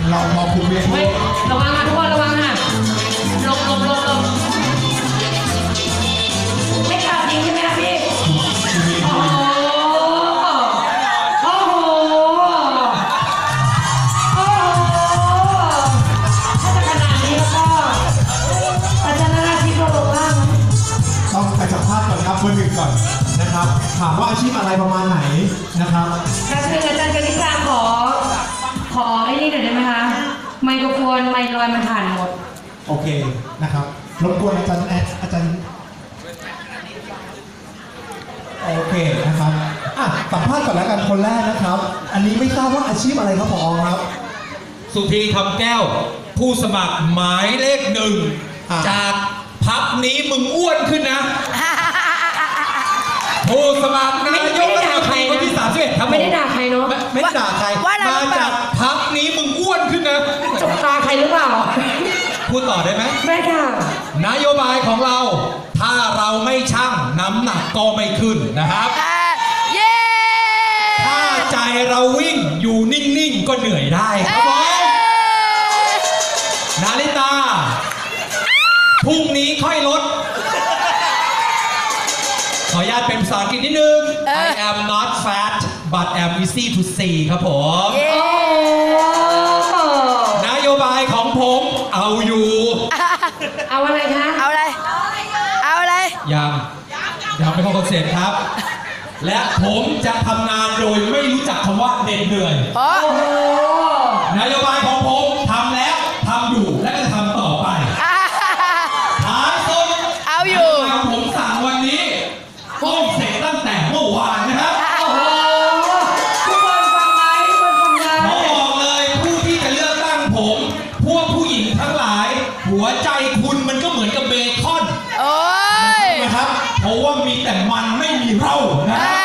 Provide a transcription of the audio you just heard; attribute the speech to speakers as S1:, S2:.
S1: เราพอคุมเวที
S2: ระวังค่ะทุกคนระวังค่ะหลบไม่ขาดจริงใช่ไหมคะพี่โอ้โหโอ้โหโอ้โหถ้าจะขนาดนี้แล้วก็อาจารย์นาราธิปเราลงล่าง
S1: ต้องไปสัมภาษณ์ก่อนครับเบอร์หนึ่งก่อนนะครับถามว่าอาชีพอะไรประมาณไหนนะครับ
S2: ค่ะคืออาจารย์กนิษฐาขอไอ้นี่หน่อยได้ไหมคะไมโครโฟนไมค์ลอยมันผ่านหมด
S1: โอเคนะครับรบกวนอาจารย์อาจารย์โอเคนะครับสัมภาษณ์ก่อนแล้วกันคนแรกนะครับ อันนี้ไม่ทราบว่าอาชีพอะไรครับผอครับ
S3: สุธีคำแก้ว ผู้สมัครหมายเลขหนึ่ง จากพักนี้มึงอ้วนขึ้นนะ ผู้สมัครนายกรัฐมนตรีคนที่31ครับ
S2: ไม่ได้ด่าใครเนาะ
S3: ไม่ได้ด่าใครมาจากพักนี้มึงอ้วนขึ้นนะ
S2: จกตาใครหรือเปล่า
S3: พูดต่อได้ไหม
S2: ไม่ค่ะ
S3: นโยบายของเรา ถ้าเราไม่ชั่งน้ำหนักก็ไม่ขึ้นนะครับ
S4: เย้
S3: ถ้าใจเราวิ่งอยู่นิ่งๆก็เหนื่อยได้ครับผมนาริตาพรุ่งนี้ค่อยลด ขออนุญาตเป็นภาษาอังกฤษนิดนึง I am not fat but am easy to see ครับผม
S4: เย้
S2: โอ้
S3: นโยบายของผมเอาอยู่
S2: เอาอะไรคะ
S4: เอาอะไร เอาอะไร
S3: ยังไม่เข้าคอนเซ็ปต์ครับ และผมจะทำงานโดยไม่รู้จักคำว่าเหน็ดเหนื่อย
S4: เพราะ
S2: โอ้โห
S3: นโยบายของผมทำแล้วทำอยู่และก็จะทำต่อไปท้ายสุด
S4: เอาอยู่
S3: นโบายผมสั่งวันนี้ต้องเสร็จตั้งแต่เมื่อวานนะครับ
S2: โอ้โหทุกคนฟังไหมทุกคนฟังไหม
S3: ขอบอกเลยผู้ที่จะเลือกตั้งผม พวกผู้หญิงทั้งหลาย หัวใจคุณมันก็เหมือนกับเบคอน
S4: โอ้ย
S3: นะครับ เพราะว่ามีแต่มันไม่มีเรานะ
S4: อ่า